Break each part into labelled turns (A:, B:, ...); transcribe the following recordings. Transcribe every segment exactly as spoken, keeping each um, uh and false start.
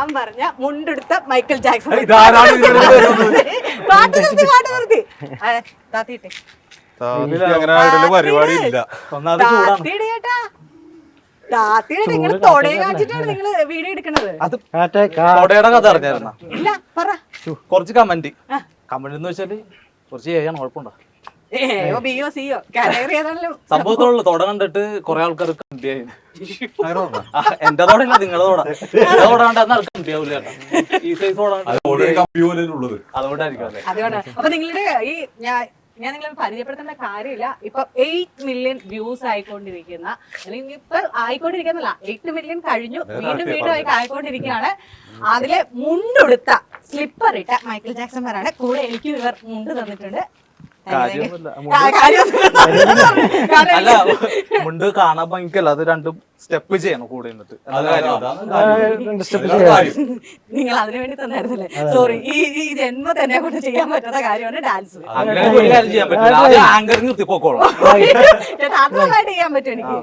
A: ഞാൻ പറഞ്ഞ മുണ്ടെടുത്ത Michael Jackson. പാട്ട് നിർത്തി പാട്ട് നിർത്തി താത്തിട്ടെ
B: പരിപാടി ഇല്ല.
A: താത്തിയുടെ നിങ്ങൾ തൊടയെ കാണിച്ചിട്ടാണ് നിങ്ങള് വീഡിയോ എടുക്കണത്. ഇല്ല പറ.
C: കുറച്ച് കമന്റ് കമന്റ് എന്ന് വെച്ചാല് കുറച്ച് ചെയ്യാണ് കുഴപ്പമുണ്ടോ? സംഭവത്തോടുള്ള തൊട കണ്ടിട്ട് കൊറേ ആൾക്കാർ കമ്പിയായി. എന്റെ തോടല്ല നിങ്ങളുടെ തോട തോട കണ്ടാൽ ആൾക്ക് കമ്പിയാവൂല. ഈ സൈസ്
A: അതുകൊണ്ടായിരിക്കും. അപ്പൊ നിങ്ങളുടെ ഈ ഞാൻ ഞാൻ നിങ്ങളെ പരിചയപ്പെടുത്തേണ്ട കാര്യമില്ല. ഇപ്പൊ എയ്റ്റ് മില്യൺ വ്യൂസ് ആയിക്കൊണ്ടിരിക്കുന്ന അല്ലെങ്കിൽ ഇപ്പൊ ആയിക്കൊണ്ടിരിക്കുന്നില്ല, എയ്റ്റ് മില്യൺ കഴിഞ്ഞു, വീണ്ടും വീണ്ടും ആയി ആയിക്കൊണ്ടിരിക്കുകയാണ്. അതിലെ മുണ്ടെടുത്ത സ്ലിപ്പർ ഇട്ട മൈക്കിൾ ജാക്സൺമാരാണ് കൂടെ. എനിക്ക് ഇവർ മുണ്ട് തന്നിട്ടുണ്ട്.
C: അല്ല മുണ്ട് കാണാൻ ഭംഗിക്കല്ല, അത് രണ്ടും സ്റ്റെപ്പ് ചെയ്യണം കൂടെ നിന്നിട്ട്.
A: നിങ്ങൾ അതിനു വേണ്ടി തന്നായിരുന്നല്ലേ? സോറി, ഈ ഈ ജന്മ തന്നെ കൊണ്ട് ചെയ്യാൻ പറ്റാത്ത കാര്യമാണ് ഡാൻസ്.
C: അങ്ങനെ ഒരു കാര്യം ചെയ്യാൻ പറ്റില്ല, ആങ്കർ നിർത്തി പോക്കോളാം.
A: മാത്രമായിട്ട് ചെയ്യാൻ പറ്റും എനിക്ക്.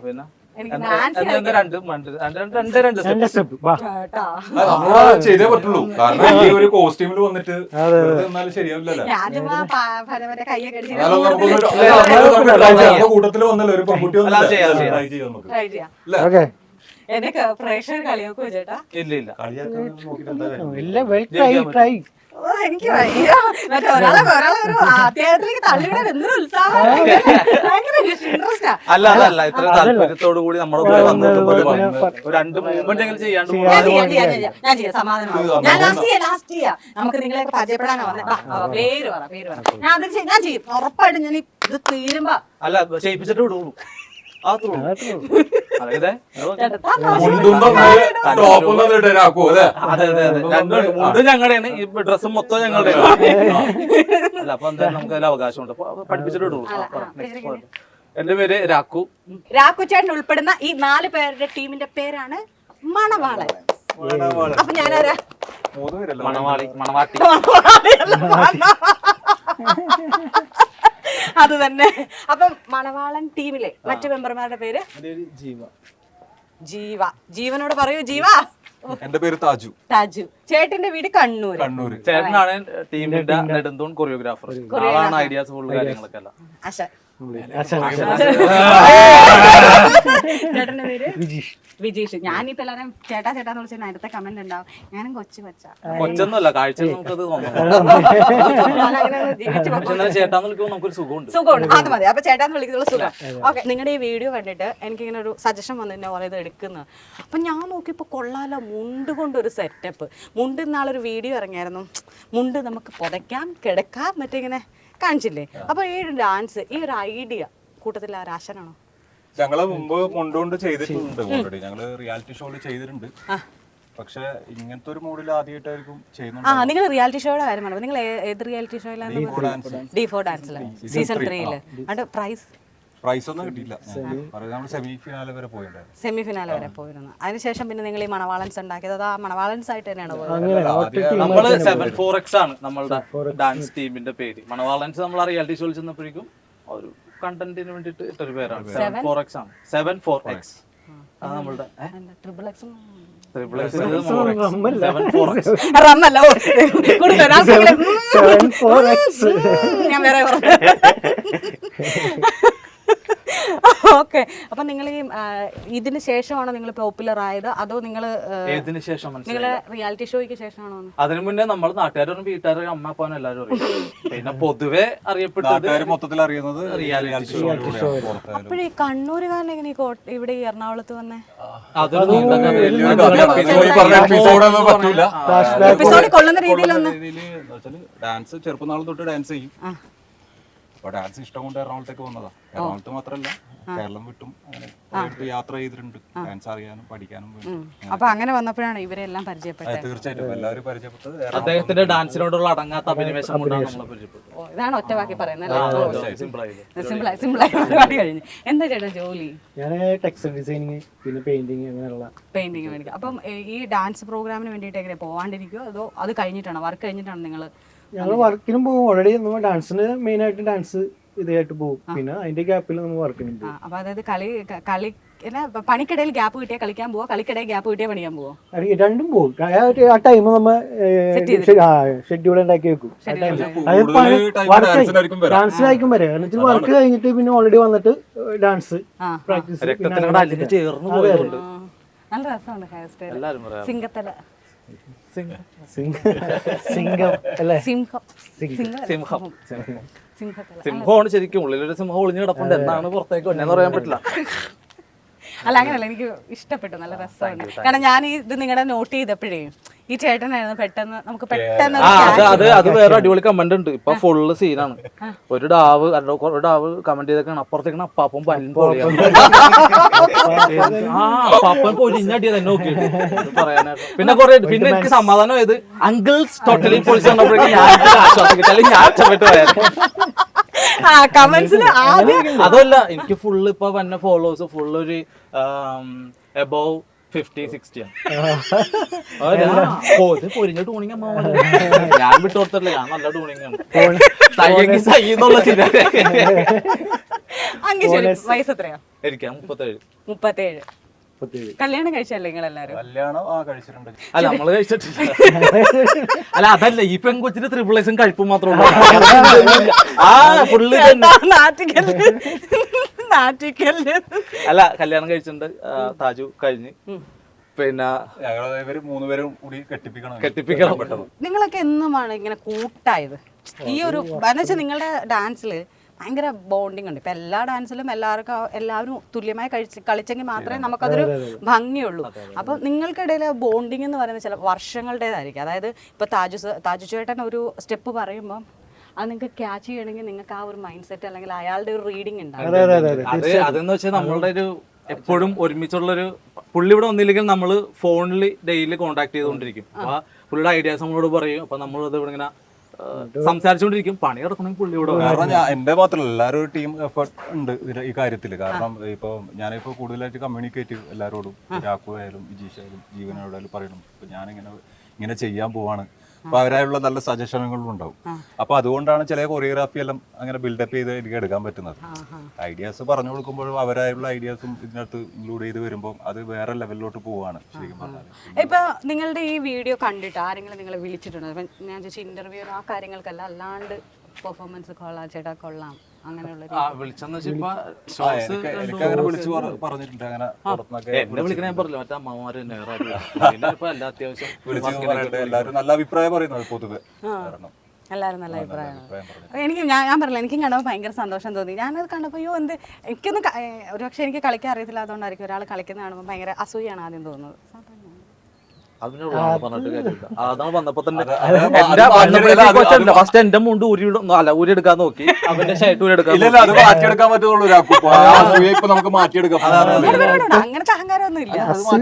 B: ചെയ്തേ പറ്റുള്ളൂ, കാരണം ഈ ഒരു കോസ്റ്റ്യൂമിൽ വന്നിട്ട് ശരിയാവില്ലല്ലോ. കൂട്ടത്തിൽ വന്നല്ലോ ഒരു പെൺകുട്ടി
A: എനിക്ക് പ്രേക്ഷകർ കളിയാക്കോ ചേട്ടാ?
C: ഇല്ല ഇല്ല,
A: എനിക്ക് മറ്റേ ഒരാളെ ഒരാളെ ഒരു അത്യാവശ്യത്തിലേക്ക് തള്ളിവിടാൻ എന്തൊരു ഉത്സാഹം.
C: അല്ല അതല്ല, ഇത്ര താല്പര്യത്തോടു കൂടി നമ്മുടെ കൂടെ വന്നിട്ട് രണ്ട് മൂവ്മെന്റ് എങ്കിലും ചെയ്യാണ്ട്
A: ഞാൻ ചെയ്യാം. സമാധാനം. ഞാൻ ലാസ്റ്റ് ചെയ്യാം ലാസ്റ്റ് ചെയ്യാം നമുക്ക് നിങ്ങളെയൊക്കെ പരിചയപ്പെടാനാ വന്നത്. പേര് പറ പേര് പറ. ഞാൻ അത് ഞാൻ ചെയ്യും ഉറപ്പായിട്ടും. ഞാൻ ഇത് തീരുമ്പോ
C: അല്ല ചെയ്യിപ്പിച്ചിട്ട് വിടുള്ളൂ. ഞങ്ങളുടെയാണ് ഈ ഡ്രസ്സും മൊത്തം ഞങ്ങളുടെയാണ്. അല്ല അപ്പൊ എന്തായാലും നമുക്ക് അതിൽ അവകാശമുണ്ട്, പഠിപ്പിച്ചിട്ട് വിടുള്ളൂ. എന്റെ പേര് രാക്കു.
A: രാക്കു ചേട്ടൻ ഉൾപ്പെടുന്ന ഈ നാല് പേരുടെ ടീമിന്റെ പേരാണ് മണവാളൻ. അപ്പൊ ഞാനാരാ?
C: മണവാളി മണവാട്ടി.
A: അത് തന്നെ. അപ്പം മണവാളൻ ടീമിലെ മറ്റു മെമ്പർമാരുടെ പേര്
C: ജീവ.
A: ജീവ. ജീവനോട് പറയൂ ജീവ.
B: എന്റെ പേര് താജു.
A: താജു. ചേട്ടന്റെ വീട് കണ്ണൂർ.
B: കണ്ണൂർ.
C: ചേട്ടനാണ് ടീമിന്റെ നെടുന്തൂൺ കൊറിയോഗ്രാഫർ. ആളാണ് ഐഡിയാസ് ഫുൾ കാര്യങ്ങളൊക്കെ എല്ലാം.
A: ചേട്ടന്റെ പേര് വിജീഷ്. ഞാനിപ്പോ എല്ലാരും ചേട്ടാ ചേട്ടാന്ന് വിളിച്ചാൽ അടുത്ത കമന്റ് ഉണ്ടാവും ഞാനും കൊച്ചു കൊച്ചാ.
C: കൊച്ചൊന്നുമല്ല, കാഴ്ച നമുക്കത് ചേട്ടാന്ന് വിളിക്കുമ്പോൾ നമുക്കൊരു സുഖമുണ്ട്.
A: സുഖമുണ്ട്, അത് മതി. അപ്പൊ ചേട്ടാന്ന് വിളിക്കുന്നുള്ള സുഖം. ഓക്കെ, നിങ്ങളുടെ ഈ വീഡിയോ കണ്ടിട്ട് എനിക്കിങ്ങനെ ഒരു സജഷൻ വന്നു എന്നെ പറയുന്നത് എടുക്കുന്നത്. അപ്പൊ ഞാൻ നോക്കിയപ്പോ കൊള്ളാലോ, മുണ്ട് കൊണ്ടൊരു സെറ്റപ്പ്. മുണ്ട് ഇന്നാളൊരു വീഡിയോ ഇറങ്ങിയായിരുന്നു, മുണ്ട് നമുക്ക് പുതയ്ക്കാം കിടക്കാം മറ്റേ ഇങ്ങനെ കാണിച്ചില്ലേ? അപ്പൊ ഈ ഡാൻസ്, ഈ ഒരു ഐഡിയ കൂട്ടത്തിൽ ആ രാശനാണോ?
B: ഞങ്ങള് മുമ്പ് മുണ്ടുകൊണ്ട് ചെയ്തിട്ടുണ്ട് ഓൾറെഡി. ഞങ്ങള് റിയാലിറ്റി ഷോയിൽ ചെയ്തിട്ടുണ്ട്. പക്ഷെ ഇങ്ങനത്തെ ഒരു മൂഡിൽ ആദ്യമായിട്ടായിരിക്കും ചെയ്യുന്നുണ്ട്.
A: ആ, നിങ്ങൾ റിയാലിറ്റി ഷോയുടെ കാര്യം പറഞ്ഞു. നിങ്ങൾ ഏത് റിയാലിറ്റി ഷോയിലാണ്? ഡി ഫോർ ഡാൻസില് സീസൺ ത്രീയില്. അതിന്റെ പ്രൈസ്
B: പ്രൈസ് ഒന്നും കിട്ടിയില്ല. സെമി ഫിനാലെ വരെ പോയിട്ടുണ്ടായിരുന്നു.
A: സെമി ഫിനാലെ വരെ പോയിരുന്നു. അതിനുശേഷം പിന്നെ നിങ്ങൾ ഈ മണവാളൻസ് ഉണ്ടാക്കിയത് അത് ആ മണവാളൻസ് ആയിട്ട് തന്നെയാണ്
C: നമ്മള് സെവൻ ഫോർ എക്സ് ആണ് നമ്മളുടെ ഡാൻസ് ടീമിന്റെ പേര്. മണവാളൻസ് നമ്മൾ ആ റിയാലിറ്റി ഷോയിൽ ചെന്നപ്പോഴേക്കും ഒരു കണ്ടന്റിന് വേണ്ടിട്ട് ഇട്ടൊരു പേരാണ്. സെവൻ ഫോർ എക്സ് ആണ്. സെവൻ ഫോർ എക്സ് അത് നമ്മളുടെ
A: ട്രിപ്പിൾ എക്സും
C: triple X seven four X
A: റമ്മല്ല. ഞാൻ വേറെ ഓക്കെ. അപ്പൊ നിങ്ങൾ ഈ ഇതിന് ശേഷമാണോ നിങ്ങൾ പോപ്പുലർ ആയത്, അതോ നിങ്ങൾ നിങ്ങളെ റിയാലിറ്റി ഷോയ്ക്ക് ശേഷമാണോ?
C: അതിനു മുന്നേ നമ്മൾ നാട്ടുകാരും വീട്ടുകാരും അമ്മ അപ്പാനും എല്ലാവരും അറിയും. പിന്നെ പൊതുവെ അറിയപ്പെട്ടത്
B: മൊത്തത്തിൽ അറിയുന്നത് റിയാലിറ്റി ഷോ.
A: അപ്പോഴേ കണ്ണൂരുകാരൻ എങ്ങനെ ഇവിടെ ഈ എറണാകുളത്ത് വന്നേ? എപ്പിസോഡിൽ കൊള്ളുന്ന രീതിയിലൊന്ന്
B: ഡാൻസ് ചെറുപ്പം നാൾ തൊട്ട് ഡാൻസ് ചെയ്യും. അപ്പൊ ഡാൻസ് ഇഷ്ടം കൊണ്ട് എറണാകുളത്തേക്ക് വന്നതാ. എറണാകുളത്ത് മാത്രല്ല കേരളം വിട്ടും യാത്ര ചെയ്തിട്ടുണ്ട് ഡാൻസ് അറിയാനും പഠിക്കാനും.
A: അപ്പൊ അങ്ങനെ വന്നപ്പോഴാണ് ഇവരെല്ലാം പരിചയപ്പെട്ടത്.
B: തീർച്ചയായിട്ടും എല്ലാവരും പരിചയപ്പെട്ടത്
C: അദ്ദേഹത്തിന്റെ ഡാൻസിനോടുള്ള അടങ്ങാത്ത അഭിനിവേശം കൊണ്ടാണ് നമ്മളെ പരിചയപ്പെട്ടത്.
A: ഇതാണ് ഒറ്റ വാക്കി പറയുന്നത്. സിമ്പിളായി സിമ്പിളായി പരിപാടി കഴിഞ്ഞു. എന്താ ചേട്ടാ ജോലി?
D: ഞാൻ ടെക്സ്റ്റൈൽ ഡിസൈനിങ് പിന്നെ പെയിന്റിങ് അങ്ങനെയുള്ള
A: പെയിന്റിങ് മേടിക്കും. അപ്പം ഈ ഡാൻസ് പ്രോഗ്രാമിന് വേണ്ടിയിട്ട് എങ്ങനെ പോവാണ്ടിരിക്കുമോ അതോ അത് കഴിഞ്ഞിട്ടാണോ, വർക്ക് കഴിഞ്ഞിട്ടാണോ നിങ്ങൾ?
D: ഞങ്ങൾ വർക്കിനും പോകും. ഓൾറെഡി നമ്മൾ ഡാൻസിന് മെയിൻ ആയിട്ട് ഡാൻസ് ഇതായിട്ട് പോകും. പിന്നെ അതിന്റെ ഗ്യാപ്പിൽ നമ്മൾ വർക്ക് ചെയ്യുന്നുണ്ട്.
A: ആ, അപ്പൊ അതായത് കളി ക- കളി അല്ല, പണിക്കിടയിൽ ഗ്യാപ്പ് കിട്ടിയാൽ കളിക്കാൻ പോവോ, കളിക്കിടയിൽ ഗ്യാപ്പ് കിട്ടിയാൽ പണിയാൻ പോവോ?
D: അത് രണ്ടും പോകും. ആ ഒരു- ആ ടൈം നമ്മ ഷെഡ്യൂൾ ഉണ്ടാക്കി വെക്കും. ഡാൻസിലായിരിക്കും വരെ എന്നിട്ട് വർക്ക് കഴിഞ്ഞിട്ട് പിന്നെ ഓൾറെഡി വന്നിട്ട് ഡാൻസ് പ്രാക്ടീസ്.
C: രക്തത്തിനോട് അലിഞ്ഞ് ചേർന്ന് പോയതുകൊണ്ട്
A: ആ, നല്ല രസമുണ്ട് ഹെയർ സ്റ്റൈൽ.
C: എല്ലാരും പറയാം
A: സിംഗത്തല
D: സിംഗം അല്ലേ?
A: സിംഹം
C: സിംഹം
A: സിംഹത്തല.
C: സിംഹമാണ് ശരിക്കും. ഉള്ളിലൊരു സിംഹം ഒളിഞ്ഞു കിടപ്പുണ്ട്. എന്നാണ് പുറത്തേക്ക് വന്നെന്ന് പറയാൻ പറ്റില്ല.
A: അല്ല അങ്ങനല്ല, എനിക്ക് ഇഷ്ടപ്പെട്ടു, നല്ല രസമുണ്ട്. കാരണം ഞാൻ ഈ ഇത് നിങ്ങളുടെ നോട്ട് ചെയ്തപ്പോഴേ ഈ ചേട്ടനായിരുന്നു പെട്ടെന്ന് നമുക്ക് പെട്ടെന്ന്
C: ആ അത് അത് അത് വേറെ അടിപൊളി കമന്റ് ഉണ്ട്. ഇപ്പൊ ഫുള്ള് സീനാണ്. ഒരു ഡാവ് ഒരു ഡാവ് കമന്റ് ചെയ്തേക്കാണ്, അപ്പുറത്തേക്കാണ് അപ്പാപ്പൻ പല്ലും പൊളിയാണ്. ആ അപ്പാപ്പൻ പൊരിഞ്ഞടിയത് എന്നെ നോക്കിയിട്ട് പറയാനായിട്ട്. പിന്നെ കുറെ പിന്നെ എനിക്ക് സമാധാനം ആയത് അങ്കിൾസ് ടോട്ടലി പൊളിച്ച് വന്നപ്പോഴേക്കും ഞാൻ ആശ്വാസം കിട്ടി. അല്ലെങ്കിൽ ഞാൻ ഇഷ്ടപ്പെട്ട് പോയായിരുന്നു.
A: കമന്റ്സിൽ ആദ്യം
C: അതല്ല, എനിക്ക് ഫുള്ള് ഇപ്പൊ വന്ന ഫോളോവേഴ്സ് ഫുള്ള് ഒരു എബോവ് ഫിഫ്റ്റി സിക്സ്റ്റി ആണ്. പൊരിഞ്ഞ ടൂണിങ് അമ്മ ഞാൻ വിട്ടു കൊടുത്തില്ല. ഞാൻ നല്ല ടൂണിങ് ആണ്. സയ്യെങ്കിൽ സയ്യെന്നുള്ള ചിന്ത.
A: അങ്കി ശരി, വയസ്സ് എത്രയാ?
C: എനിക്ക് മുപ്പത്തേഴ്.
A: മുപ്പത്തേഴ്. കല്യാണം കഴിച്ചല്ലേ നിങ്ങൾ എല്ലാരും?
B: കല്യാണം ആ കഴിച്ചിട്ടുണ്ട്.
C: അല്ല നമ്മള് കഴിച്ചിട്ടില്ല. അല്ല അതല്ല, ഈ പെൺകൊച്ചിന് ത്രിപിളേസും കഴിപ്പും മാത്രമേ ഉള്ളൂ. ആ ഫുള്ള്
A: നാട്ടിക്കല് നാട്ടിക്കല്.
C: അല്ല കല്യാണം കഴിച്ചിട്ടുണ്ട്. താജു കഴിഞ്ഞ്. പിന്നെ
B: ഇവര് മൂന്നുപേരും കൂടി കെട്ടിപ്പിക്കണം
C: കെട്ടിപ്പിക്കണം പെട്ടെന്ന്.
A: നിങ്ങളൊക്കെ എന്നുമാണ് ഇങ്ങനെ കൂട്ടായത്? ഈ ഒരു എന്ന് വെച്ചാൽ നിങ്ങളുടെ ഡാൻസില് ഭയങ്കര ബോണ്ടിങ് ഉണ്ട്. ഇപ്പൊ എല്ലാ ഡാൻസിലും എല്ലാവർക്കും എല്ലാവരും തുല്യമായി കഴിച്ച് കളിച്ചെങ്കിൽ മാത്രമേ നമുക്കതൊരു ഭംഗിയുള്ളൂ. അപ്പൊ നിങ്ങൾക്കിടയിൽ ബോണ്ടിങ് എന്ന് പറയുന്നത് ചില വർഷങ്ങളുടേതായിരിക്കും. അതായത് ഇപ്പൊ താജു താജു ചേട്ടൻ ഒരു സ്റ്റെപ്പ് പറയുമ്പോൾ അത് നിങ്ങൾക്ക് ക്യാച്ച് ചെയ്യണമെങ്കിൽ നിങ്ങൾക്ക് ആ ഒരു മൈൻഡ് സെറ്റ് അല്ലെങ്കിൽ അയാളുടെ ഒരു റീഡിങ് ഉണ്ടാവും.
C: അത് അതെന്ന് വെച്ചാൽ നമ്മളുടെ ഒരു എപ്പോഴും ഒരുമിച്ചുള്ളൊരു പുള്ളി ഇവിടെ വന്നില്ലെങ്കിൽ നമ്മൾ ഫോണിൽ ഡെയിലി കോൺടാക്ട് ചെയ്തുകൊണ്ടിരിക്കും. അപ്പൊ പുള്ളിയുടെ ഐഡിയാസ് നമ്മളോട് പറയും. അപ്പൊ നമ്മളത് ഇവിടെ ഇങ്ങനെ സംസാരിച്ചുകൊണ്ടിരിക്കും. പണി കിടക്കണമെങ്കിൽ പുള്ളി ഇവിടെ.
B: കാരണം ഞാൻ എന്റെ മാത്രമല്ല, എല്ലാവരും ഒരു ടീം എഫേർട്ട് ഉണ്ട് ഈ കാര്യത്തിൽ. കാരണം ഇപ്പൊ ഞാനിപ്പോ കൂടുതലായിട്ട് കമ്മ്യൂണിക്കേറ്റ് എല്ലാവരോടും, രാഘു ആയാലും വിജീഷ് ആയാലും ജീവനോടായാലും പറയണം ഇപ്പൊ ഞാനിങ്ങനെ ഇങ്ങനെ ചെയ്യാൻ പോവാണ്. അപ്പൊ അവരായുള്ള നല്ല സജഷനുകളും ഉണ്ടാവും. അപ്പൊ അതുകൊണ്ടാണ് ചില കൊറിയോഗ്രാഫി എല്ലാം അങ്ങനെ ബിൽഡപ്പ് ചെയ്ത് എനിക്ക് എടുക്കാൻ പറ്റുന്നത്. ഐഡിയാസ് പറഞ്ഞു കൊടുക്കുമ്പോഴും അവരായുള്ള ഐഡിയാസും ഇതിനകത്ത് ഇൻക്ലൂഡ് ചെയ്ത് വരുമ്പോൾ അത് വേറെ ലെവലിലോട്ട് പോവാണ് ശരിക്കും പറഞ്ഞാൽ.
A: ഇപ്പൊ നിങ്ങളുടെ ഈ വീഡിയോ കണ്ടിട്ട് ആരെങ്കിലും നിങ്ങളെ വിളിച്ചിട്ടുണ്ടോ? ഇപ്പൊ ഞാൻ ചോദിച്ച ഇന്റർവ്യൂ ആ കാര്യങ്ങൾക്കല്ല, അല്ലാണ്ട് പെർഫോമൻസ് കൊള്ളാം ചേട്ടാ കൊള്ളാം അങ്ങനെയുള്ള
C: വിളിച്ചെന്ന് വെച്ചാൽ
B: എനിക്കങ്ങനെ വിളിച്ചു പറഞ്ഞിട്ടുണ്ട്. അങ്ങനെ
C: എന്നെ വിളിക്കണ ഞാൻ പറഞ്ഞില്ല, മറ്റേ അമ്മമാര് തന്നെ എല്ലാ അത്യാവശ്യം
B: വിളിച്ച് എല്ലാവരും നല്ല അഭിപ്രായം പറയുന്നത് പൊതുവെ. കാരണം
A: എല്ലാവരും നല്ല അഭിപ്രായമാണ്. എനിക്ക് ഞാൻ ഞാൻ പറഞ്ഞില്ല, എനിക്കും കണ്ടപ്പോൾ ഭയങ്കര സന്തോഷം തോന്നി. ഞാനത് കണ്ടപ്പോൾ അയ്യോ എന്ത് എനിക്കൊന്നും ഒരു പക്ഷേ എനിക്ക് കളിക്കാൻ അറിയത്തില്ല, അതുകൊണ്ടായിരിക്കും ഒരാൾ കളിക്കുന്ന കാണുമ്പോൾ ഭയങ്കര അസൂയാണ് ആദ്യം തോന്നുന്നത്.
C: അതാണ് വന്നപ്പോ തന്നെ ഫസ്റ്റ് എന്റെ മുണ്ട് ഊരി അല്ല ഊരി എടുക്കാൻ നോക്കി. അവന്റെ ഷർട്ട് ഊരി എടുക്കാൻ
B: അത് മാറ്റിയെടുക്കാൻ പറ്റുള്ളൂ. ഇപ്പൊ നമുക്ക് മാറ്റിയെടുക്കാം.
A: അങ്ങനത്തെ അഹങ്കാരമൊന്നും ഇല്ല.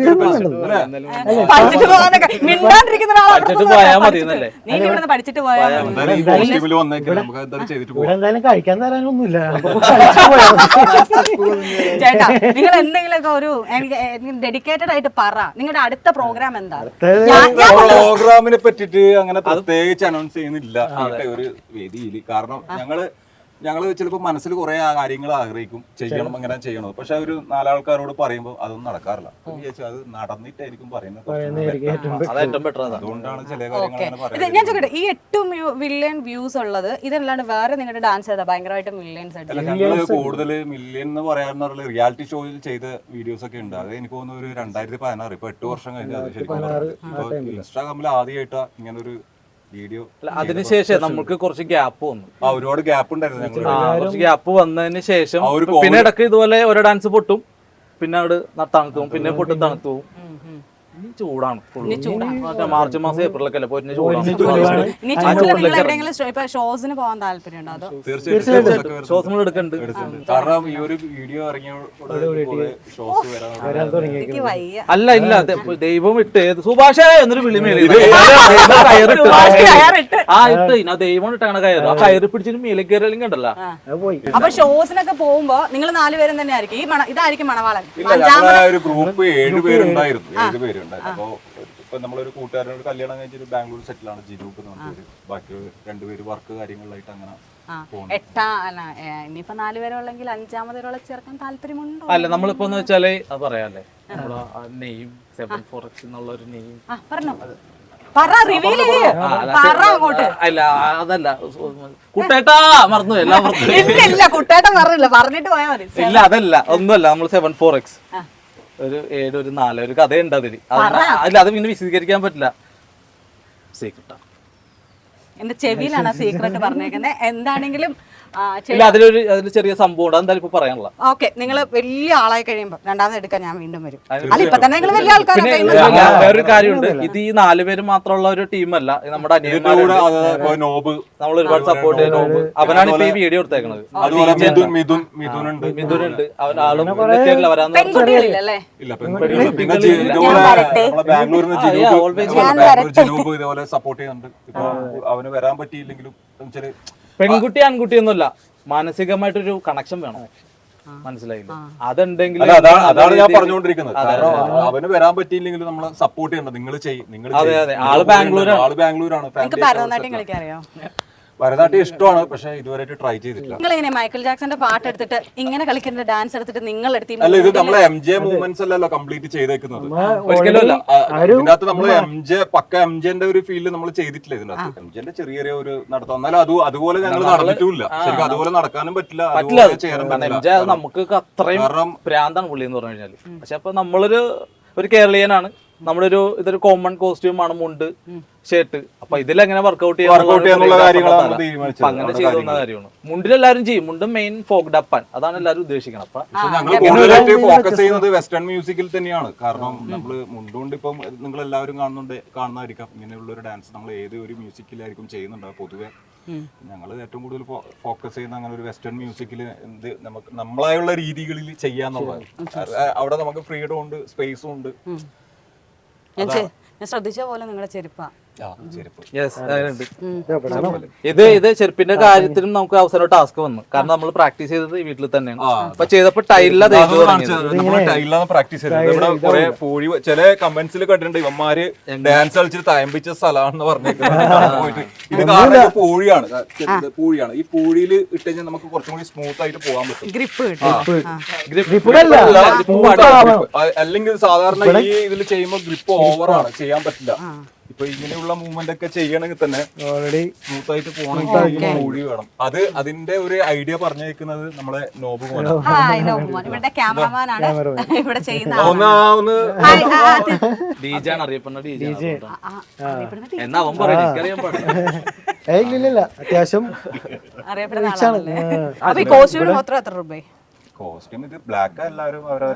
C: പഠിച്ചിട്ട് പോയാൽ മതി എന്നല്ലേ?
A: നീ ഇവിടുന്ന് പഠിച്ചിട്ട് പോയാൽ
D: കഴിക്കാൻ തരാനൊന്നുമില്ല.
A: ചേട്ടാ നിങ്ങൾ എന്തെങ്കിലുമൊക്കെ ഒരു ഡെഡിക്കേറ്റഡ് ആയിട്ട് പറ. നിങ്ങളുടെ അടുത്ത പ്രോഗ്രാം എന്താ?
B: പ്രോഗ്രാമിനെ പറ്റിട്ട് അങ്ങനെ പ്രത്യേകിച്ച് അനൗൺസ് ചെയ്യുന്നില്ല ഒരു വേദിയിൽ. കാരണം ഞങ്ങള് ഞങ്ങള് ചിലപ്പോ മനസ്സിൽ കുറെ കാര്യങ്ങൾ ആഗ്രഹിക്കും, ചെയ്യണം അങ്ങനെ ചെയ്യണം. പക്ഷെ ഒരു നാലാൾക്കാരോട് പറയുമ്പോൾ അതൊന്നും നടക്കാറില്ല. അത് നടന്നിട്ടായിരിക്കും പറയുന്നത്. അതുകൊണ്ടാണ് ചില കാര്യങ്ങൾ.
A: ഞാൻ ചോദിക്കട്ടെ, ഈ എട്ട് മില്യൺ വ്യൂസ് ഉള്ളത് ഇതല്ലാണ്ട് വേറെ നിങ്ങളുടെ ഡാൻസ് ചെയ്താ ഭയങ്കരമായിട്ട് മില്യൻസ് ആയിട്ട്?
B: ഞങ്ങള് കൂടുതൽ മില്യൺ എന്ന് പറയാന്ന് പറഞ്ഞ റിയാലിറ്റി ഷോയിൽ ചെയ്ത വീഡിയോസ് ഒക്കെ ഉണ്ട്. അത് എനിക്ക് തോന്നുന്നു ഒരു രണ്ടായിരത്തി പതിനാറ് ഇപ്പൊ എട്ട് വർഷം കഴിഞ്ഞ് അത് ശരിക്കും ഇപ്പൊ ഇൻസ്റ്റാഗ്രാമിൽ ആദ്യമായിട്ടാ ഇങ്ങനെ ഒരു വീഡിയോ.
C: അതിനുശേഷം നമുക്ക് കുറച്ച് ഗ്യാപ്പ് വന്നു.
B: ആ ഒരുപാട് ഗ്യാപ്പ് ഉണ്ടായിരുന്നു.
C: കുറച്ച് ഗ്യാപ്പ് വന്നതിന് ശേഷം പിന്നെ ഇടയ്ക്ക് ഇതുപോലെ ഓരോ ഡാൻസ് പൊട്ടും, പിന്നെ അവിടെ തണുത്തു പോകും, പിന്നെ പൊട്ടും തണുത്തു പോകും. ചൂടാണ് മാർച്ച് മാസം ഏപ്രിലൊക്കെ അല്ലേ പൊരിഞ്ഞ ചൂടാണ്.
A: ഷോസിന് പോകാൻ താല്പര്യമുണ്ടോ?
C: ഷോസ് നമ്മൾ എടുക്കുന്നുണ്ട്.
B: കാരണം ഈ ഒരു വീഡിയോ ഇറങ്ങിയ
C: അല്ല ഇല്ല ദൈവം ഇട്ട് സുഭാഷേ എന്നൊരു വിളി മേലെ കയറിട്ട് ആ ഇട്ട് ആ ദൈവം ഇട്ടാണ് കയറ്. ആ കയറി പിടിച്ചിട്ട് മേലെ കയറിയെങ്കിലും കണ്ടല്ലോ.
A: അപ്പൊ ഷോസിനൊക്കെ പോകുമ്പോ നിങ്ങൾ നാലുപേരും തന്നെ ആയിരിക്കും. ഈ ഇതായിരിക്കും മണവാളൻ.
B: ഒരു ഗ്രൂപ്പ് ഏഴുപേരുണ്ടായിരുന്നു. ഏഴുപേരുണ്ടായിരുന്നു. അപ്പൊ ഇപ്പൊ നമ്മളൊരു കൂട്ടുകാരനോട് കല്യാണം കഴിച്ചിട്ട് ബാംഗ്ലൂർ സെറ്റിലാണ് ജിനൂപ്പ് എന്ന് പറഞ്ഞൊരു. ബാക്കി രണ്ടുപേര് വർക്ക് കാര്യങ്ങളിലായിട്ട് അങ്ങനെ
A: എട്ടാ അല്ല ഏ, ഇനിയിപ്പോ നാല് പേരെ ഉള്ളെങ്കിൽ അഞ്ചാമത് ഒരാളെ ചേർക്കാൻ താല്പര്യമുണ്ടോ?
C: അല്ല നമ്മളിപ്പോ എന്ന് വെച്ചാല് അത് പറയാല്ലേ നമ്മളെ നെയിം സെവൻ ഫോർ എക്സ് എന്നുള്ള ഒരു നെയിം
A: ആ പറഞ്ഞോ, പറ, റിവീൽ ചെയ്യ്, പറ അങ്ങോട്ട്.
C: അല്ല അതല്ല കുട്ടേട്ടാ മറന്നു എല്ലാം മറന്നു.
A: ഇല്ല ഇല്ല കുട്ടേട്ടൻ പറഞ്ഞില്ല, പറഞ്ഞിട്ട് പോയാ മതി.
C: ഇല്ല അതല്ല ഒന്നുമല്ല നമ്മൾ സെവൻ ഫോർ എക്സ് ഒരു ഏഴ് ഒരു നാല് ഒരു കഥയുണ്ട് അതില്. അല്ല അത് പിന്നെ വിശദീകരിക്കാൻ പറ്റില്ല, സീക്രട്ടാ.
A: എന്റെ ചെവിയിലാണ് സീക്രട്ട് പറഞ്ഞേക്കുന്നത്. എന്താണെങ്കിലും
C: ഇല്ല അതിലൊരു അതിൽ ചെറിയ സംഭവം ഉണ്ട്, അതെന്തായാലും ഇപ്പൊ പറയാനുള്ള.
A: ഓക്കെ, നിങ്ങൾ വലിയ ആളായി കഴിയുമ്പോ രണ്ടാമത് എടുക്കാൻ ഞാൻ വീണ്ടും വരും. അല്ല ഇപ്പൊ തന്നെ നിങ്ങൾ വലിയ
C: പിന്നെ
A: ആൾക്കാരാണ്.
C: വേറൊരു കാര്യമുണ്ട്, ഇത് ഈ നാല് പേര് മാത്രമുള്ള ഒരു ടീമല്ല, നമ്മുടെ അനിയന്മാരുണ്ട്,
B: നോബ്
C: നമ്മൾ ഒരുപാട് സപ്പോർട്ട് ചെയ്യുന്ന നോബ്, അവനാണ് ഇപ്പൊ ഈ വീഡിയോ എടുത്തേക്കണത്.
B: അതുപോലെ മിഥുൻ മിഥുൻ മിഥുനുണ്ട്
C: മിഥുനുണ്ട്, അവൻ ആളും എത്തിയിട്ടില്ല, വരാന്ന്
A: പെൺകുട്ടികളില്ലല്ലേ?
B: ഇല്ല പെൺകുട്ടികൾ പിന്നെ ജി- ഇതുപോലെ നമ്മളെ ബാംഗ്ലൂരിൽ നിന്ന് ജിനൂബ് ജനൂബ് ഇതേപോലെ സപ്പോർട്ട് ചെയ്യുന്നുണ്ട്. ഇപ്പൊ അവന് വരാൻ പറ്റിയില്ലെങ്കിലും വെച്ചാല്
C: പെൺകുട്ടി ആൺകുട്ടി ഒന്നുമല്ല, മാനസികമായിട്ടൊരു കണക്ഷൻ വേണം, മനസ്സിലായില്ല? അതുണ്ടെങ്കിൽ
B: അല്ല അതാണ് അതാണ് ഞാൻ പറഞ്ഞുകൊണ്ടിരിക്കുന്നത്. കാരണം അവന് വരാൻ പറ്റിയില്ലെങ്കിലും നമ്മളെ സപ്പോർട്ട് ചെയ്യണം. നിങ്ങൾ ചെയ്യും, നിങ്ങൾ
C: അതെ അതെ ആള് ബാംഗ്ലൂരാണ്.
B: ആള് ബാംഗ്ലൂരാണ്.
A: നിങ്ങൾക്ക് ഭരതനാട്യം കളിക്കാൻ അറിയോ?
B: ഭരതനാട്യം ഇഷ്ടമാണ്, പക്ഷെ ഇതുവരെയായിട്ട് ട്രൈ ചെയ്തിട്ടില്ല.
A: നിങ്ങൾ എങ്ങനെ മൈക്കിൾ ജാക്സന്റെ പാട്ട് എടുത്തിട്ട് ഇങ്ങനെ കളിക്കുന്ന ഡാൻസ് എടുത്തിട്ട് നിങ്ങൾ എടുത്തി?
B: അല്ല ഇത് നമ്മളെ എം ജെ മൂവ്മെന്റ്സ് അല്ലല്ലോ കംപ്ലീറ്റ് ചെയ്തേക്കുന്നത്.
C: ഒരിക്കലുമല്ല.
B: ഇതിനകത്ത് നമ്മൾ എം ജെ പക്ക എം ജെന്റെ ഒരു ഫീൽഡ് നമ്മൾ ചെയ്തിട്ടില്ല ഇതിനകത്ത്. എം ജെന്റെ ചെറിയ ചെറിയ ഒരു നടത്തം, എന്നാലും അത് അതുപോലെ ഞങ്ങൾ നടന്നിട്ടുമില്ല. ശരിക്കും അതുപോലെ നടക്കാനും പറ്റില്ല, അതുപോലെ ചെയ്യാനും പറ്റില്ല.
C: നമുക്ക് അത്രയും ഭ്രാന്താണ് പുള്ളി എന്ന് പറഞ്ഞു കഴിഞ്ഞാല്. പക്ഷെ അപ്പൊ നമ്മളൊരു ഒരു കേരളീയനാണ്, നമ്മുടെ ഒരു ഇതൊരു കോമൺ കോസ്റ്റ്യൂം ആണ്, മുണ്ട് ഷർട്ട്. അപ്പൊ ഇതിലെങ്ങനെ വർക്ക്ഔട്ട്
B: ചെയ്യാനുള്ള കാര്യങ്ങളാണ്
C: അങ്ങനെ ചെയ്തുന്ന കാര്യമാണ്. മുണ്ടിലെല്ലാരും ചെയ്യും, മുണ്ടും മെയിൻ ഫോക്ക് ഡപ്പാൻ, അതാണ് എല്ലാവരും ഉദ്ദേശിക്കണം. അപ്പൊ
B: ഞങ്ങൾ കൂടുതലായിട്ട് ഫോക്കസ് ചെയ്യുന്നത് വെസ്റ്റേൺ മ്യൂസിക്കിൽ തന്നെയാണ്. കാരണം നമ്മള് മുണ്ടുകൊണ്ട് ഇപ്പം നിങ്ങൾ എല്ലാവരും കാണുന്നുണ്ട് കാണുന്നതായിരിക്കാം ഇങ്ങനെയുള്ള ഒരു ഡാൻസ് നമ്മൾ ഏത് ഒരു മ്യൂസിക്കിലായിരിക്കും ചെയ്യുന്നുണ്ടാവും പൊതുവെ. ഞങ്ങൾ ഏറ്റവും കൂടുതൽ ഫോക്കസ് ചെയ്യുന്ന അങ്ങനെ ഒരു വെസ്റ്റേൺ മ്യൂസിക്കിൽ എന്ത് നമുക്ക് നമ്മളായുള്ള രീതികളിൽ ചെയ്യാന്നുള്ളതാണ്. അവിടെ നമുക്ക് ഫ്രീഡം ഉണ്ട്, സ്പേസും ഉണ്ട്.
A: ഞാൻ ശ്രദ്ധിച്ച പോലെ നിങ്ങളുടെ ചെരുപ്പാ.
C: ഇത് ഇത് ചെരുപ്പിന്റെ കാര്യത്തിലും നമുക്ക് അവസരം ടാസ്ക് വന്നു, കാരണം നമ്മൾ പ്രാക്ടീസ് ചെയ്തത് ഈ വീട്ടിൽ തന്നെയാണ്. അപ്പൊ ചെയ്തപ്പോ ടൈലില
B: ടൈലാണ് പ്രാക്ടീസ് ചെയ്തത്. ഇവിടെ കുറെ പൂഴി ചില കമന്റ്സിൽ കണ്ടിട്ടുണ്ട്, ഇവന്മാര് ഡാൻസ് കളിച്ചിട്ട് തയമ്പിച്ച സ്ഥലമാണെന്ന് പറഞ്ഞേക്കുന്നത്. പോയിട്ട് ഇത് കാരണം പൂഴിയാണ്, പൂഴിയാണ്. ഈ പൂഴിയിൽ ഇട്ട് കഴിഞ്ഞാൽ നമുക്ക് കുറച്ചും കൂടി സ്മൂത്ത് ആയിട്ട് പോകാൻ പറ്റും.
A: ഗ്രിപ്പ്
B: അല്ലെങ്കിൽ സാധാരണ ഈ ഇതിൽ ചെയ്യുമ്പോൾ ഗ്രിപ്പ് ഓവറാണ്, ചെയ്യാൻ പറ്റില്ല. ഇപ്പൊ ഇങ്ങനെയുള്ള മൂവ്മെന്റ് ഒക്കെ ചെയ്യണമെങ്കിൽ തന്നെ ഓൾറെഡി സ്മൂത്ത് ആയിട്ട് പോകണമെങ്കിൽ പൂഴി വേണം. അത് അതിന്റെ ഒരു ഐഡിയ പറഞ്ഞേക്കുന്നത് നമ്മളെ നോബ് പോലെ.
A: ഇവിടെ ക്യാമറമാനാണ് ഇവിടെ ചെയ്യുന്ന
C: അറിയപ്പെടുന്ന ഡീജെ എന്നാ അവൻ പറയും.
D: ഇല്ല അത്യാവശ്യം
A: അറിയപ്പെടുന്ന ആളാണല്ലേ. അപ്പൊ ഈ കോസ്റ്റ്യൂമിന് മാത്രം എത്ര രൂപ?
B: കോസ്റ്റ്യൂം ഇത് ബ്ലാക്ക് എല്ലാവരും അവരവരെ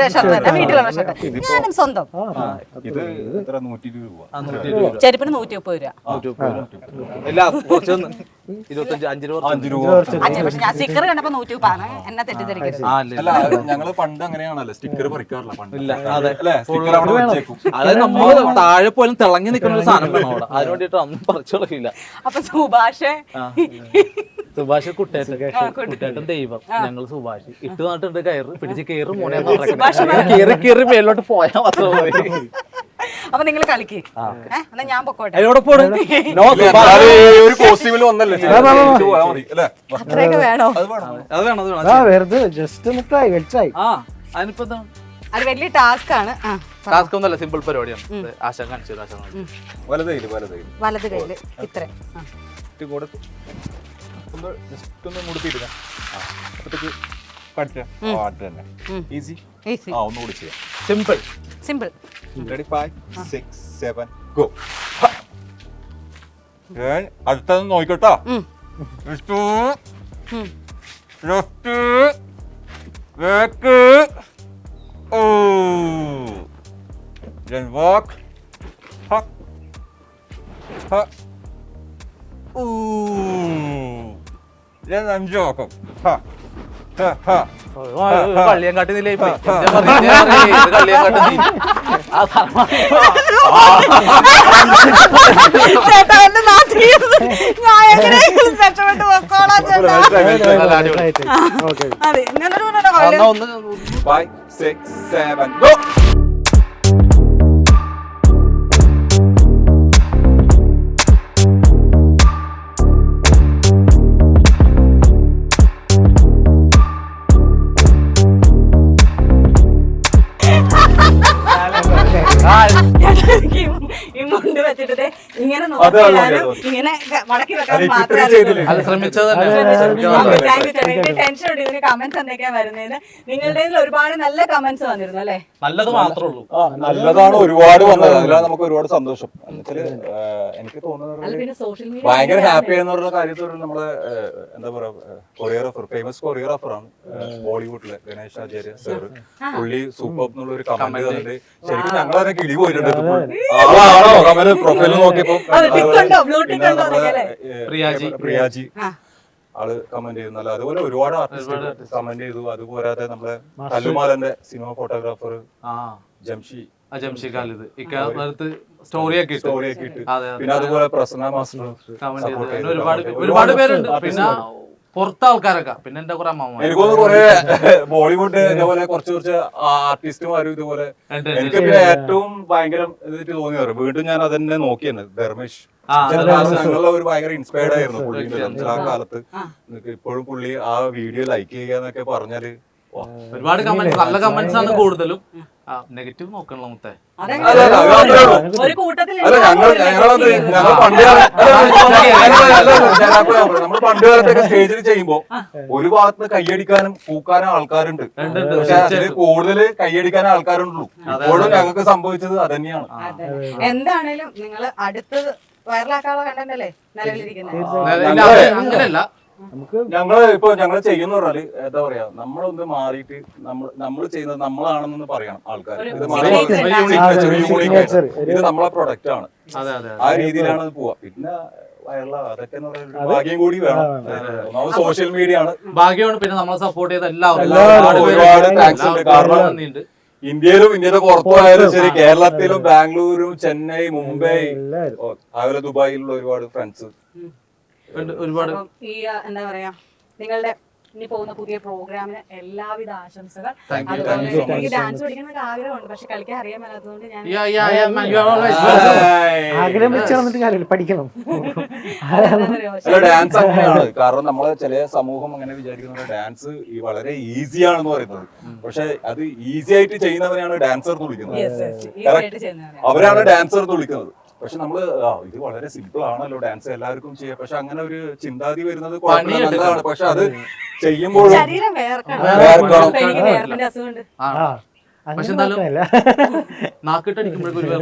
A: ഞാനും സ്വന്തം.
B: ഇത് എത്ര നൂറ്റി ഇരുപത് രൂപ,
A: ചെരുപ്പിന് നൂറ്റി മുപ്പത് രൂപ.
B: അഞ്ച് രൂപ.
A: പക്ഷെ ഞാൻ സ്റ്റിക്കർ കണ്ടപ്പോ നൂറ്റി മുപ്പാണ്, എന്നെ തെറ്റിദ്ധരിക്കരുത്.
B: അല്ല ഞങ്ങള് പണ്ട് അങ്ങനെയാണല്ലോ, സ്റ്റിക്കർ പറിക്കാറില്ല പണ്ട്. അല്ലേ, സ്റ്റിക്കർ അവിടെ വെച്ചേക്കും.
C: അതായത് നമ്മള് താഴെ പോലും തിളങ്ങി നിൽക്കുന്ന ഒരു സാധനം വേണം അവിടെ, അതിന് വേണ്ടിട്ട് ഒന്നും പറിച്ചു തുടങ്ങില്ല.
A: അപ്പൊ സുഭാഷ്
C: സുഭാഷ് കുട്ടേട്ടൻ കുട്ടേട്ടൻ ദൈവം, ഞങ്ങൾ സുഭാഷ് ഇട്ട് നട്ടിട്ട് കയറ് പിടിച്ച് കയറ് മോനെ കയറി കയറി മേലോട്ട് പോയാൽ മാത്രം മതി.
A: അപ്പൊ നിങ്ങൾ കളിക്ക്, എന്നാ ഞാൻ പൊക്കോട്ടെ.
B: ഒരു കോസ്റ്റ്യൂമിൽ വന്നല്ലേ
A: അത്രയൊക്കെ വേണോ?
C: അത് വേണം അത് വേണം
D: വെറുതെ ജസ്റ്റ് ഒന്ന് ട്രൈ ട്രൈ.
C: ആ അതിനിപ്പോ
A: അത് വലിയ ടാസ്ക് ആണ്.
C: ടാസ്ക് ഒന്നല്ല, സിമ്പിൾ പരിപാടിയാണ്. ആശ കാണിച്ചു ആശ
B: വലത് കയ്യില് വലത് കയ്യില്
A: വലത് കയ്യില് ഇത്ര
B: കൂടെ ഒന്ന് ജസ്റ്റ് ഒന്ന് മുടുത്തിരുന്ന അപ്പത്തേക്ക് പാട്ട് തന്നെ ഈസി.
A: ഈസി.
B: ആ ഒന്നുകൂടി ചെയ്യാം.
C: Simple
A: simple.
B: Ready five six seven go. അടുത്തത് നോക്കിക്കോട്ടോ. Left left back oh then walk ha ha ooh then I'm joking ha ha ha
C: കള്ളിയങ്കാട്ടി നില
B: five six seven go.
A: എനിക്ക് ഈ- ഈ മുണ്ട് വെച്ചിട്ട് ദേ ഇങ്ങനെ
B: അത്
A: നോക്കിയാലും ഇങ്ങനെ മടക്കി വെക്കാൻ മാത്രമേ അറിയൂ.
C: അത് ശ്രമിച്ചത് തന്നെ
A: താങ്ക് യു ചേട്ടാ. എനിക്ക് ടെൻഷൻ ഉണ്ട് ഇതിന് കമന്റ്സ് എന്തൊക്കെയാ വരുന്നതിന്. നിങ്ങളുടെ ഒരുപാട് നല്ല കമന്റ്സ് വന്നിരുന്നു അല്ലേ?
C: നല്ലത് മാത്രമേ ഉള്ളൂ.
B: ആ, നല്ലതാണ് ഒരുപാട് വന്നത്. അതിലാണ് നമുക്ക് ഒരുപാട് സന്തോഷം. എന്നുവെച്ചാല് എനിക്ക്
A: അല്ല
B: തോന്നുന്നത്
A: പിന്നെ സോഷ്യൽ മീഡിയ
B: ഭയങ്കര ഹാപ്പി എന്നുള്ള കാര്യത്തിൽ നമ്മള് ഏഹ്, എന്താ പറയാ കൊറിയോഗ്രാഫർ ഫേമസ് കൊറിയോഗ്രാഫർ ആണ് ഏഹ്, ബോളിവുഡിലെ ഗണേഷ് ആചാര്യ സർ. പുള്ളി സൂപ്പർ എന്നുള്ള ഒരു കമന്റ് തന്നിട്ട് ശരിക്കും ഞങ്ങളതിനെ കിളി പോയിട്ടുണ്ട്. ആളാണോ കമന്റ് പ്രൊഫൈൽ നോക്കിയപ്പോ
A: അത് tick ഉണ്ടോ? blue tick
B: പിന്നെ
A: ഉണ്ടോ
B: നമ്മുടെ,
A: എന്നൊക്കെ
B: ഏഹ്,
C: പ്രിയാജി.
B: പ്രിയാജി
A: ആ.
B: ആള് കമന്റ് ചെയ്യുന്നല്ല. അതുപോലെ ഒരുപാട് ആർട്ടിസ്റ്റ് കമന്റ് ചെയ്തു. അതുപോരാതെ നമ്മുടെ കല്ലുമാലന്റെ സിനിമ ഫോട്ടോഗ്രാഫർ
C: ആ
B: ജംഷി
C: ജംഷി ഖാലിദ് ഇക്കാലത്ത് സ്റ്റോറിയൊക്കെ ഇട്ടു.
B: സ്റ്റോറിയൊക്കെ ഇട്ട്
C: അതെ അതെ
B: പിന്നെ അതുപോലെ പ്രസന്ന മാസ്റ്റർ
C: കമന്റ്
B: support
C: ചെയ്ത്
B: ചെയ്തു.
C: ഒരുപാട്
B: ഒരുപാട്
C: ഒരുപാട് പേരുണ്ട്.
B: artist
C: പിന്നെ
B: ഉണ്ട്.
C: പുറത്തെ ആൾക്കാരൊക്കെ പിന്നെ എന്റെ കുറെ അമ്മമാർ
B: എനിക്കൊന്ന് കുറെ ബോളിവുഡ് ഇതേപോലെ കുറച്ച് കുറച്ച് ആർട്ടിസ്റ്റുമാരും ഇതുപോലെ
C: ഉണ്ട്,
B: എനിക്ക് പിന്നെ ഏറ്റവും ഭയങ്കര ഇതായിട്ട് തോന്നി പറയും വീണ്ടും ഞാൻ അതന്നെ നോക്കിയാണ് ധർമ്മേഷ്
C: ആ,
B: ഞങ്ങളെ ഒരു ഭയങ്കര ഇൻസ്പയർഡ് ആയിരുന്നു പുള്ളിന്റെ ആ കാലത്ത്. എനിക്ക് ഇപ്പോഴും പുള്ളി ആ വീഡിയോ ലൈക്ക് ചെയ്യുക എന്നൊക്കെ പറഞ്ഞാല് വാ.
C: ഒരുപാട് കമന്റ്സ് നല്ല കമന്റ്സ് ആണ് കൂടുതലും. നെഗറ്റീവ് നോക്കണല്ലോ മുത്തേ.
A: അതെങ്ങനെ?
B: അല്ല, അല്ല, അത് മാത്രമേ ഉള്ളൂ.
A: ഒരു കൂട്ടത്തിൽ
B: അല്ല ഞങ്ങൾ ഞങ്ങളത് ഞങ്ങൾ പണ്ട് നമ്മൾ പണ്ട് കാലത്തൊക്കെ സ്റ്റേജിൽ ചെയ്യുമ്പോ ഒരു ഭാഗത്ത് കൈയടിക്കാനും പൂക്കാനും ആൾക്കാരുണ്ട്. പക്ഷെ അതിൽ കൂടുതൽ കൈയടിക്കാനും ആൾക്കാരുണ്ടല്ലോ. ഇപ്പോഴും ഞങ്ങൾക്ക് സംഭവിച്ചത് അതന്നെയാണ്.
A: അതെ. എന്താണേലും നിങ്ങൾ അടുത്തത് വൈറലാക്കാനുള്ള കണ്ടന്റ് അല്ലേ നിലവിലിരിക്കുന്നത്?
C: ഇല്ല, അത് അങ്ങനെയല്ല.
D: നമുക്ക്
B: ഞങ്ങള് ഇപ്പൊ ഞങ്ങൾ ചെയ്യുന്ന പറഞ്ഞാല് എന്താ പറയാ നമ്മളൊന്ന് മാറിയിട്ട് നമ്മൾ നമ്മൾ ചെയ്യുന്നത് നമ്മളാണെന്ന് പറയണം ആൾക്കാർ.
A: ഒരു
B: ഇത് മാറി
A: signature
B: ഒരു
A: ഉണ്ടാവും.
B: uniqueness, ഒരു
D: ആ,
B: uniqueness.
D: signature.
B: ഇത് നമ്മളെ പ്രൊഡക്റ്റ് ആണ്.
C: അതെ അതെ
B: ആ രീതിയിലാണ് അത് പോവാ. പിന്നെ വൈറലാ അതൊക്കെ എന്ന് പറയുന്നത് ഒരു ഭാഗ്യം കൂടി വേണം. ഒന്നാമത് സോഷ്യൽ മീഡിയ ആണ്.
C: ഭാഗ്യമാണ്. പിന്നെ നമ്മളെ സപ്പോർട്ട് ചെയ്ത എല്ലാവരും
B: എല്ലാവരും
C: ഒരുപാട്
B: ഒരുപാട്
C: പേരുണ്ട്.
B: thanks ഉണ്ട്.
C: എല്ലാവർക്കും
B: കാരണം
C: നന്ദിയുണ്ട്.
B: ഇന്ത്യയിലും ഇന്ത്യയുടെ പുറത്തുമായാലും ശരി, കേരളത്തിലും ബാംഗ്ലൂരും ചെന്നൈ മുംബൈ
D: എല്ലാവരും
B: ഓ, അതുപോലെ ദുബായിലുള്ള ഒരുപാട് ഫ്രണ്ട്സ്.
C: ഉണ്ട്, ഒരുപാട്
A: അപ്പം ഈ ആ, എന്താ പറയാ നിങ്ങളുടെ ഇനി പോകുന്ന പുതിയ പ്രോഗ്രാമിന് എല്ലാവിധ ആശംസകൾ.
C: Thank you,
A: അതുപോലെ
B: thank you so
A: എനിക്ക്
B: much.
A: ഡാൻസ് പഠിക്കണമെന്ന് ആഗ്രഹമുണ്ട്, പക്ഷെ കളിക്കാൻ അറിയാൻ മേലാത്തതുകൊണ്ട് ഞാൻ
C: Yeah, yeah, yeah, man, you are always
D: ആഗ്രഹം വെച്ച് നടന്നിട്ട് കാര്യമില്ല, പഠിക്കണം.
A: എന്താ പറയാ,
B: അല്ല ഡാൻസ് അങ്ങനെയാണ്. കാരണം നമ്മളെ ചില സമൂഹം അങ്ങനെ വിചാരിക്കുന്നത് ഡാൻസ് ഈ വളരെ ഈസി ആണെന്ന് പറയുന്നത്. പക്ഷെ അത് ഈസി ആയിട്ട് ചെയ്യുന്നവരെയാണ് ഡാൻസർ എന്ന് വിളിക്കുന്നത്.
A: yes, yes, easy ആയിട്ട് ചെയ്യുന്നതാണ്.
B: അവരാണ് ഡാൻസർ എന്ന് വിളിക്കുന്നത്. പക്ഷെ നമ്മള് ആ, ഇത് വളരെ സിമ്പിൾ ആണല്ലോ ഡാൻസ് എല്ലാവർക്കും ചെയ്യാം. പക്ഷെ അങ്ങനെ ഒരു ചിന്താതി വരുന്നത് കുഴപ്പമില്ല, നല്ലതാണ്. പക്ഷെ അത് ചെയ്യുമ്പോഴും
A: ശരീരം വേർക്കണം.
B: വേർക്കണം.
A: ഇപ്പൊ എനിക്ക് വേർപ്പിന്റെ അസുഖമുണ്ട്.
D: ആ,
C: പക്ഷെ
D: അതിന്
C: എന്തായാലും
D: കുഴപ്പമില്ല.
C: നാക്കിട്ടടിക്കുമ്പോഴേക്കും ഒരു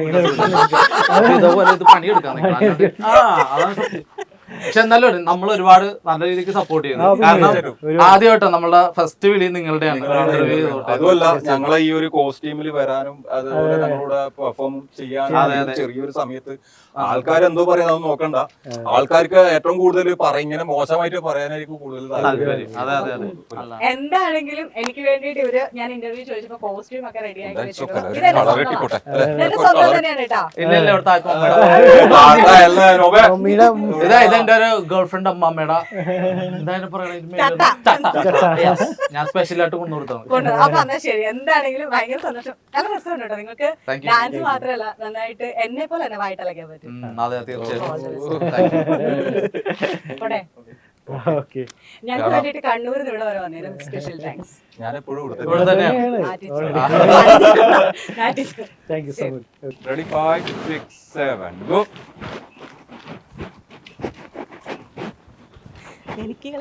C: വേർപ്പ് ഇതുപോലെ ഇത് പണിയെടുക്കാൻ നിൽക്കണം. ആ, അതാണ് സത്യം. പക്ഷെ എന്നാലും നമ്മൾ ഒരുപാട് നല്ല രീതിക്ക് സപ്പോർട്ട് ചെയ്യുന്നു.
D: ആ, പിന്നെ
C: കാരണം
D: ഒരു-
C: ആദ്യമായിട്ടോ നമ്മളുടെ ഫസ്റ്റ് വിളി നിങ്ങളുടെയാണ്.
B: നിങ്ങളാണ്
C: ഇന്റർവ്യൂ ചെയ്തോട്ടെ.
B: അതുമല്ല ഞങ്ങളെ ഈ ഒരു കോസ്റ്റ്യൂമിൽ വരാനും അതുപോലെ ഞങ്ങളോട് പെർഫോം ചെയ്യാനും
C: അതെ, അതെ.
B: ചെറിയൊരു സമയത്ത് ആൾക്കാർ എന്തോ പറയുന്നത് അത് നോക്കണ്ട. ആൾക്കാർക്ക് ഏറ്റവും കൂടുതൽ പറ ഇങ്ങനെ മോശമായിട്ട് പറയാനായിരിക്കും കൂടുതൽ താല്പര്യം.
C: താല്പര്യം. അതെ അതെ അതെ. അല്ല.
A: എന്താണെങ്കിലും എനിക്ക് വേണ്ടിയിട്ട് ഇവര് ഞാൻ ഇന്റർവ്യൂ ചോദിച്ചപ്പോ കോസ്റ്റ്യൂം ഒക്കെ റെഡി ആക്കി
B: എന്താ
A: വെച്ചിട്ടുണ്ട്.
B: ചൊക്കല,
A: ഇതെന്റെ
B: കളർ
A: സ്വന്തമാണ്.
B: ഇട്ടിക്കോട്ടെ.
A: ഇതെന്റെ സ്വന്തം തന്നെയാണ് കേട്ടോ.
C: ഇല്ല ഇല്ല ഇവിടുത്തെ ആർക്കും അമ്മയുടെ
B: താത്ത അല്ല, നോബേ.
D: മമ്മിയുടെ
C: ഇതാ ഇതെന്റെ ഒരു ഗേൾ ഫ്രണ്ട് അമ്മമ്മയുടെ എന്തായാലും പറയണ ഞാൻ സ്പെഷ്യൽ ആയിട്ട് കൊണ്ടുകൊടുത്താണ്.
A: കൊണ്ട് അപ്പൊ എന്നാ ശരി. എന്താണെങ്കിലും ഭയങ്കര സന്തോഷം. നല്ല രസമുണ്ട് കേട്ടോ. നിങ്ങൾക്ക്
C: Thank you.
A: ഡാൻസ് മാത്രമല്ല നന്നായിട്ട് എന്നെ പോലെ തന്നെ വായിട്ടലക്കാൻ പറ്റും.
C: ഉം, അതെ തീർച്ചയായിട്ടും.
A: പോട്ടെ.
D: ഓക്കെ,
A: ഞങ്ങൾക്ക് വേണ്ടിയിട്ട് കണ്ണൂരിൽ നിന്ന് ഇവിടെ വരെ വന്നേരും സ്പെഷ്യൽ താങ്ക്സ്.
B: ഞാൻ എപ്പോഴും
C: ഇവിടെ
B: കൊടുത്തു.
C: തന്നെയാണ്.
D: Thank you so much.
B: Ready five six seven go.
A: എനിക്ക്